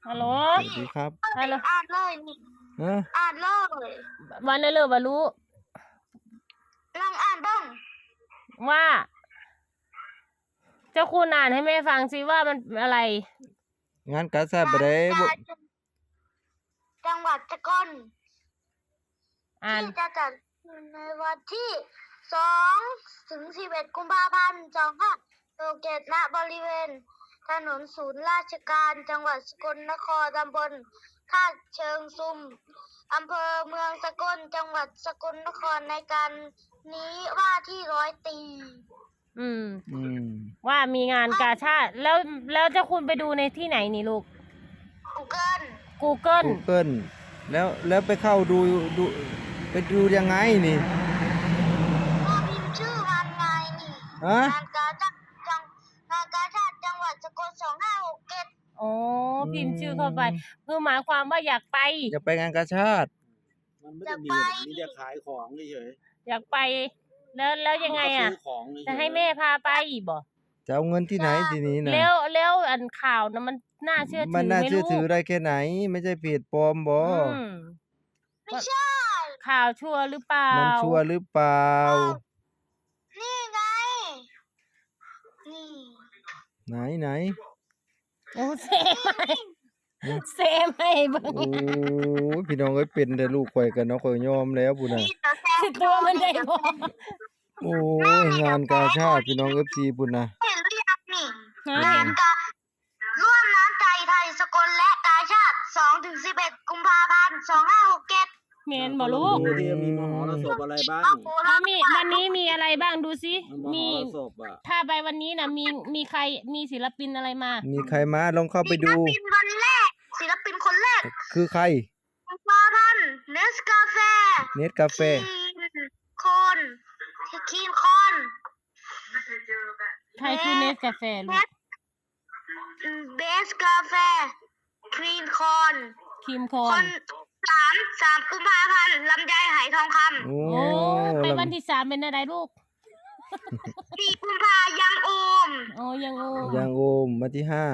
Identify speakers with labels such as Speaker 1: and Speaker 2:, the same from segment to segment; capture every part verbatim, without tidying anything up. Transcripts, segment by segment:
Speaker 1: ฮัลโหล
Speaker 2: สวัสดีครับ
Speaker 1: ฮัลโหล
Speaker 3: อ่านเลยนี่
Speaker 2: ฮะ
Speaker 3: อ่านเลย
Speaker 1: วันนั้นเลยว่ารู้
Speaker 3: ลองอ่านบ้าง
Speaker 1: ว่า เจ้าคุณอ่านให้แม่ฟังสิว่ามันอะไร
Speaker 2: งานกาชาดบ่ได้บ่
Speaker 3: จังหวัดสกล
Speaker 1: อ่าน
Speaker 3: ที่จะจัดในวันที่สองถึงสิบเอ็ดกุมภาพันธ์สองห้าหกเจ็ดณบริเวณ ถนนศูนย์ราชการจังหวัดสกลนครตำบลท่าเชิงซุมอำเภอเมืองสกลจังหวัดสกลนครในการนี้ว่าที่ร้อยตี
Speaker 1: อืม
Speaker 2: อืม
Speaker 1: ว่ามีงานกาชาดแล้วแล้วเจ้าคุณไปดูในที่ไหนนี่ลูก
Speaker 3: Google
Speaker 1: Google
Speaker 2: Google แล้วแล้วไปเข้าดูดูไปดูยังไงนี่
Speaker 3: ก็พิมพ์ชื่อวันไงนี่
Speaker 2: ฮะ
Speaker 3: งานกาชาดจังงานกาชาดจังหวัดสกลสองห้าหกเจ็ด
Speaker 1: อ๋อพิมพ์ชื่อเข้าไปคือหมายความว่าอยากไป
Speaker 2: จะไปงานกาชาด
Speaker 4: มันไม่ได้มีแบบมีแต่ขายของเฉย
Speaker 1: อยากไป แล้วแล้ว
Speaker 4: ๆ
Speaker 1: ยังไง
Speaker 4: มันก็
Speaker 1: อ่ะ
Speaker 4: ซื้ของเฉยๆ
Speaker 1: จะให้แม่พาไปบ่
Speaker 2: จะเอาเงินที่ไหนทีนี้นะ
Speaker 1: แล้วแล้วอันข่าวนะมันน่าเชื่อถือ
Speaker 2: มันน่า
Speaker 1: ไม่
Speaker 2: เชื่อ
Speaker 1: รู้
Speaker 2: ถือได้แค่ไหน ไม่ใช่เพจปลอมบ่
Speaker 1: อืม
Speaker 3: ไม่ใช่
Speaker 1: ข่าวชัวร์หรือเปล่า
Speaker 2: มันชัวร์หรือเปล่า
Speaker 3: นี่ไง นี่
Speaker 2: ไหนไหน
Speaker 1: โอ้เซไม่เซไม่เบิ่ง
Speaker 2: โอ้ยพี่น้องเอ้ยเป็นแต่ลูกข่อยกันเนาะข่อยยอมแล้วพุ่นน่ะ
Speaker 3: นี่ตัวแทน
Speaker 1: สิตัวมันได้บ่
Speaker 2: โอ้ยงานกาชาดพี่น้อง เอฟ ซี พุ่นน่ะ
Speaker 3: เห็นหรือยังนี่
Speaker 1: ฮะ
Speaker 3: งานการ่วมน้ำใจไทยสกลและกาชาติสองถึงสิบเอ็ดกุมภาพันธ์สองห้าหกเจ็ด
Speaker 1: เมนบ่ลูก
Speaker 4: ดูที่มีมหรสพอะไรบ้าง
Speaker 1: ถ้ามีวันนี้มีอะไรบ้างดูสิ
Speaker 4: ม
Speaker 1: มี
Speaker 4: หรสพอ่ะ
Speaker 1: ถ้าไปวันนี้นะมีมีใครมีศิลปินอะไรมา
Speaker 2: มีใครมาลองเข้าไปดู
Speaker 3: ศิลปินวันแรก ศิลปินคนแรก
Speaker 2: คือใคร
Speaker 3: กุมภาพันธ์เนสกาแฟ
Speaker 2: เน็ตกาแฟ
Speaker 3: คีนคอนคีนคอน
Speaker 1: ใครคือเนสกาแฟลูก
Speaker 3: เบสกาแฟคลีนคอน
Speaker 1: ครีมคอ
Speaker 3: คน นสามสามกุมภาพันธ์ลำไยไหทองค
Speaker 2: โอ้
Speaker 1: โอ้ไปวันที่สามเป็นอะไรลูก
Speaker 3: ำสี่กุมภายังโอม
Speaker 1: โอ้ยังโอ้
Speaker 2: ยางโอมมาที่ห้าม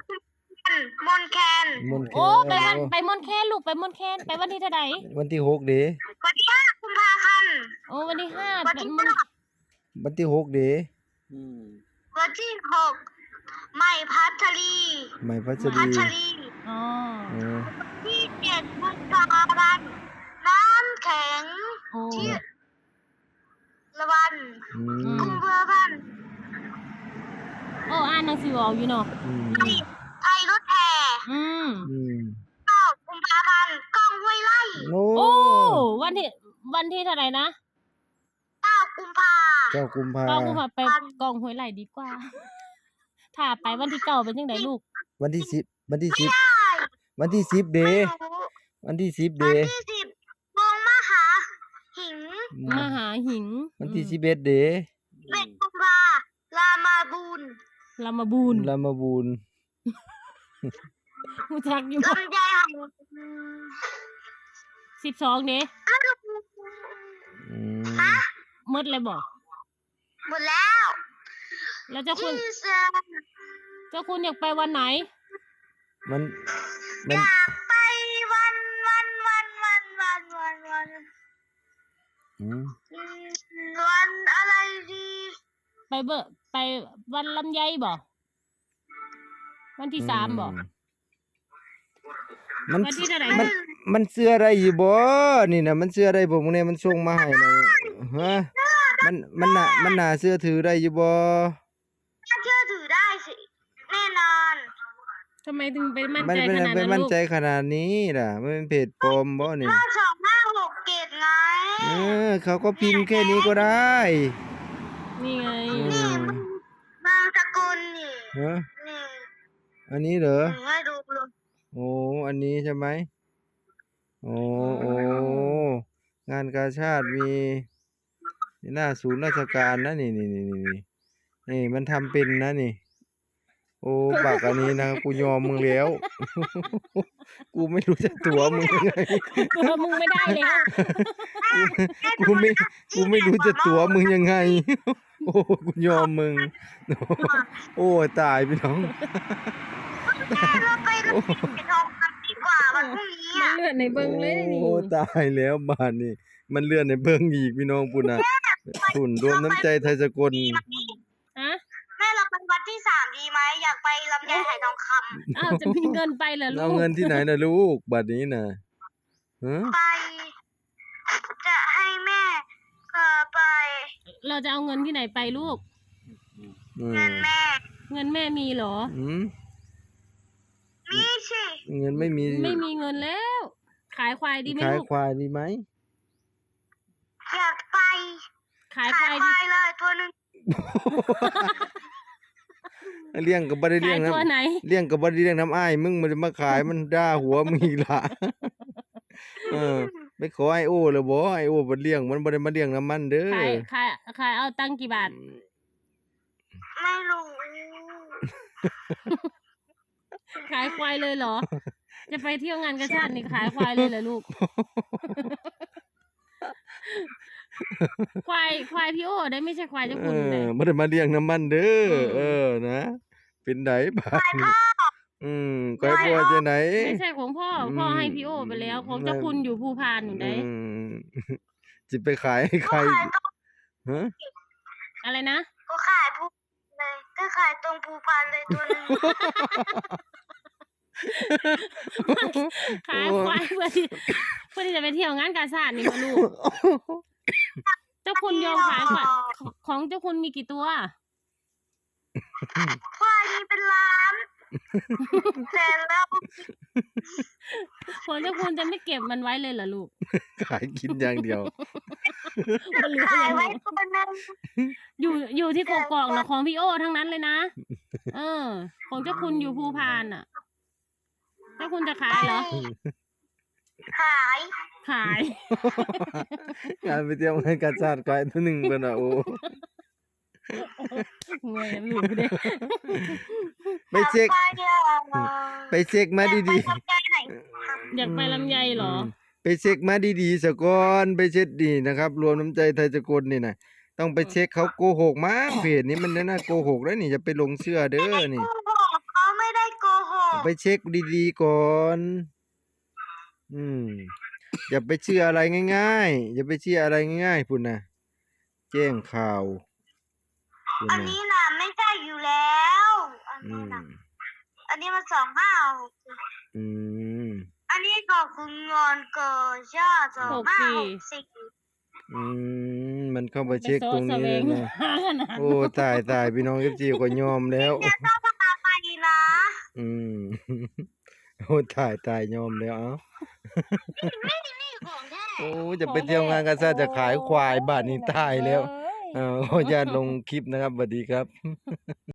Speaker 3: นแคน
Speaker 2: มนต์แค
Speaker 1: โอ้ไป
Speaker 2: น
Speaker 1: วันไปมอนแคนลูกไปมอนแคนไปวันที่เท่าไหร่
Speaker 2: วันที่หกเด้
Speaker 3: วันที่ห้ากุมภาพันธ์
Speaker 1: โอ้วันที่ห้า
Speaker 3: วัน
Speaker 1: เป็น
Speaker 3: ที่
Speaker 1: มอน
Speaker 3: ห้า
Speaker 2: วันที่หกเด้
Speaker 4: อืม
Speaker 3: วันที่หกใหม่พัชรี
Speaker 2: ใหม่พัช
Speaker 3: พั
Speaker 2: รี
Speaker 3: ชรี
Speaker 1: อ๋อ
Speaker 2: โอ้
Speaker 3: ที่เจ็ดกุมภาพันธ์น้ำแข็ง
Speaker 1: โอ้
Speaker 3: ที่ละวัน
Speaker 2: อื
Speaker 1: อื
Speaker 2: ม
Speaker 3: กุมภาพันธ์
Speaker 1: โอ้อ่านหนังสือออกอยู่เนาะ
Speaker 2: อืม
Speaker 3: ไทยไทยรถแห่
Speaker 1: อืม
Speaker 2: อืม
Speaker 3: เก้ากุมภาพันธ์กล้องห้วยไร่
Speaker 2: โอ้
Speaker 1: โอ้วันที่วันที่เท่าไหร่นะ
Speaker 3: เก้ากุมภา
Speaker 2: เจ้ากุมภา
Speaker 1: ก็กูมาไปกองห้วยไหลดีกว่า ถ้าไปวันที่เก้าเป็นยังไงลูก
Speaker 2: วันที่สิบวันที่สิบ
Speaker 3: ใช่
Speaker 2: วันที่สิบเด้
Speaker 3: ไม่รู้
Speaker 2: วันที่สิบ
Speaker 3: วั
Speaker 2: เด้
Speaker 3: นที่สิบวงมหาหิง
Speaker 2: อื
Speaker 1: มหาหิง
Speaker 2: วันที่สิบเอ็ดเด้
Speaker 3: เบ็ดกุมภาลามาบูน
Speaker 1: ลามาบูน
Speaker 2: ลามาบูน
Speaker 1: รู้จักอยู่บ่
Speaker 3: ลำไยไห
Speaker 1: สิบสองเด้
Speaker 2: อืม
Speaker 1: หมดเลยบ่
Speaker 3: หมดแล้ว
Speaker 1: แล้วเจ้าคุณ
Speaker 3: ที่เสือ
Speaker 1: เจ้าคุณอยากไปวันไหน
Speaker 2: มันมัน
Speaker 3: อยากไปวันวันวันวันวันวันวัน
Speaker 2: อืม
Speaker 3: อืมวันอะไรดี
Speaker 1: ไปเบอไปวันลำไยบ่วันที่สามบ่
Speaker 2: มัน
Speaker 1: วันที่เท่าไหร่
Speaker 2: มันมันเสื้ออะไรอยู่บ่นี่นะมันเสื้ออะไรบ่มึงเนี่ยมันส่งมาให้นะฮะมันมันน่ะมันน่าเสื้อถือได้อยู่บ่
Speaker 3: น่าเชื่อถือได้สิ แน่นอน
Speaker 1: ทำไมถึงไปมั่น
Speaker 2: มัน
Speaker 1: ใจ
Speaker 2: เป็น
Speaker 1: ขนาด
Speaker 2: เป็น
Speaker 1: นั้น
Speaker 2: มั่น
Speaker 1: ลูก
Speaker 2: ใจขนาดนี้ล่ะมันเป็นเพจปลอมบ่นี่
Speaker 3: ห้าสองห้าหกเกตไง
Speaker 2: เออเขาก็พิมพ์แค่นี้ก็ได้
Speaker 1: นี่ไง
Speaker 2: อื
Speaker 3: นี่
Speaker 2: ม
Speaker 3: บางสกุลนี่
Speaker 2: ฮะ
Speaker 3: นี่
Speaker 2: อันนี้เหรอ
Speaker 3: หนูให้ดูเลย
Speaker 2: โอ้อันนี้ใช่ไหมโอ้โอ้งานกาชาดมีหน้าศูนย์ราชการนะนี่นี่นี่นี่นี่นี่มันทำเป็นนะนี่ โอ้บักอันนี้นะกูยอมมึงแล้ว กูไม่รู้จะตั๋วมึงยังไง
Speaker 1: ตัวมึงไม่ได้แล้ว
Speaker 2: กูไม่กูไม่รู้จะตั๋วมึงยังไง โอ้กูยอมมึง โอ้ตายพี่น้อง
Speaker 3: เราไปเราไปทองคำดีกว่าวันพรุ่งนี้
Speaker 1: มัน
Speaker 3: อ่ะ
Speaker 1: เลือดในเบิ่งเลยนี่
Speaker 2: โอ้ตายแล้วบาดนี้ มันเลื่อนในเบิ่งอีกพี่น้องพุ่นน่ะพุ่นรวมน้ำใจไทยสกล
Speaker 1: ฮะ
Speaker 3: แม่เราไปวัดที่สามดีไหมอยากไปลำไยไหทองค
Speaker 1: อ้าวจะมีเงินไปเหรอลู
Speaker 2: เอา
Speaker 1: ก
Speaker 2: เงินที่ไหนน่ะลูกบัดนี้น่ะฮะ
Speaker 3: ำไป จะให้แม่เออไป
Speaker 1: เราจะเอาเงินที่ไหนไปลูก
Speaker 2: อื
Speaker 3: เงิ
Speaker 2: ม
Speaker 3: นแม่
Speaker 1: เงินแม่มีเหรอ
Speaker 2: อืม
Speaker 3: นี่สิ
Speaker 2: เงินไม่มี
Speaker 1: ไม่มีเงินแล้ว ขายควายดีไหม
Speaker 2: ขาย
Speaker 1: ลูก
Speaker 2: ควายดีไหม
Speaker 3: อยากไป
Speaker 1: ขายคาย
Speaker 3: ขายวค
Speaker 1: ดี
Speaker 3: วายเลยตัวหนึ่ง
Speaker 2: เลี้ยงก็บ่ได้เลี้
Speaker 1: ขาย ย
Speaker 2: ง
Speaker 1: ตัว
Speaker 2: น้ำ
Speaker 1: ไหน
Speaker 2: เลี้ยงก็บ่ได้เลี้ยงน้ำอ้ายมึงมันจะมาขายมันด่าหัวมึงอีกล่ะ เออไปขอไอโอแล้วบ่ไอโอบ่เลี้ยงมันบ่ได้มาเลี้ยงน้ำมันเด้อ
Speaker 1: ขายขายขายเอาตังค์กี่บาท
Speaker 3: ไม่รู้
Speaker 1: ขายควายเลยเหรอ จะไปเที่ยวงานกระชาตินี่ขายควายเลยเหรอลูก ควายควายพี่โอได้ไม่ใช่ควายเจ้า
Speaker 2: เอ
Speaker 1: คุณ
Speaker 2: อ
Speaker 1: เลย
Speaker 2: บ่ได้มาเลี้ยงน้ำมันเด้อ
Speaker 1: อืม
Speaker 2: เออนะ เป็นไดบาด
Speaker 3: ไป
Speaker 2: นี้
Speaker 3: พ่อ
Speaker 2: อืมขายพ่อจะไหน
Speaker 1: ไม่ใช่ของพ่อ พ่อให้พี่โอไปแล้ว ของเจ้าคุณอยู่ภูพานอยู่ได้
Speaker 2: อืมสิไปขายให้ใคร
Speaker 3: ก็ขายตรง
Speaker 2: ฮะ
Speaker 1: อะไรนะ
Speaker 3: ก็ขายภูเลยก็ขายตรงภูพานเลยตัวหนึ่ง
Speaker 1: ขายควายเพื่อที่เพื่อที่จะไปเที่ยวงานกาชาตินี่มาลูก เจ้าคุณยอมขายควายของเจ้าคุณมีกี่ตัว
Speaker 3: ควายมีเป็นล้านแต่แล้ว
Speaker 1: ของเจ้าคุณจะไม่เก็บมันไว้เลยเหรอลูก
Speaker 2: ขายกินอย่างเดียว
Speaker 1: มันเหลือ
Speaker 3: ขาย
Speaker 1: ยังไง
Speaker 3: ไว้ตัวหนึ่ง
Speaker 1: อยู่อยู่ที่กกอกนะของพี่โอทั้งนั้นเลยนะ เออ ของเจ้าคุณอยู่ภูพานอ่ะ เจ้าคุณจะขายเหรอ
Speaker 3: ขาย
Speaker 1: ขาย
Speaker 2: งานไปเที่ยวงานกาชาติขายตัวหนึงเพิ่นน่ะโอ้
Speaker 1: เงยลูกเด้
Speaker 2: ไปเช็ค
Speaker 3: ไปอ่ะ
Speaker 2: ไปเช็คมาดี
Speaker 3: ไปทำใจไหน
Speaker 2: ๆ
Speaker 1: อยากไปลำไยเหรอ
Speaker 2: มไปเช็คมาดีๆซะก่อนไปเช็คดีนะครับ รวมน้ำใจไทยสกลนี่น่ะต้องไปเช็คเขาโกหกมั้งเพจนี้มันน่าโกหกแล้วนี่จะไปหลงเชื่อเด้อนี่
Speaker 3: โกหกเขาไม่ได้โกหก
Speaker 2: ไปเช็คดีๆก่อน อืม อย่าไปเชื่ออะไรง่ายๆ อย่าไปเชื่ออะไรง่ายๆพุ่นน่ะ แจ้งข่าวพุ่น
Speaker 3: อัน
Speaker 2: น่ะ
Speaker 3: นี้น่ะไม่ใช่อยู่แล้วอัน
Speaker 2: อื
Speaker 3: นี้
Speaker 2: ม
Speaker 3: น่ะอันนี้มันสองห้าหก
Speaker 2: อืม
Speaker 3: อันนี้ก็คืองอนเกิดชาติสองห้าหกสี่
Speaker 2: อืม มันเข้าไปเช็คตรงนี้
Speaker 1: ไป
Speaker 2: เลย
Speaker 1: โซ่
Speaker 2: นะ
Speaker 1: แสวงหาขนาด
Speaker 2: โอ้ ตายตายพี่น้องเอฟซีก็ยอมแล้ว
Speaker 3: จะต้องพาไปนะ
Speaker 2: อืม โอ้ตายตายยอมแล้วเอ้า
Speaker 3: นี่ของแท้
Speaker 2: โอ้จะไปเที่ยวงานกันซะจะขายควายบาทนี้ตายแล้ว
Speaker 1: เอ้ย
Speaker 2: เอ่อขออนุญาตลงคลิปนะครับสวัสดีครับ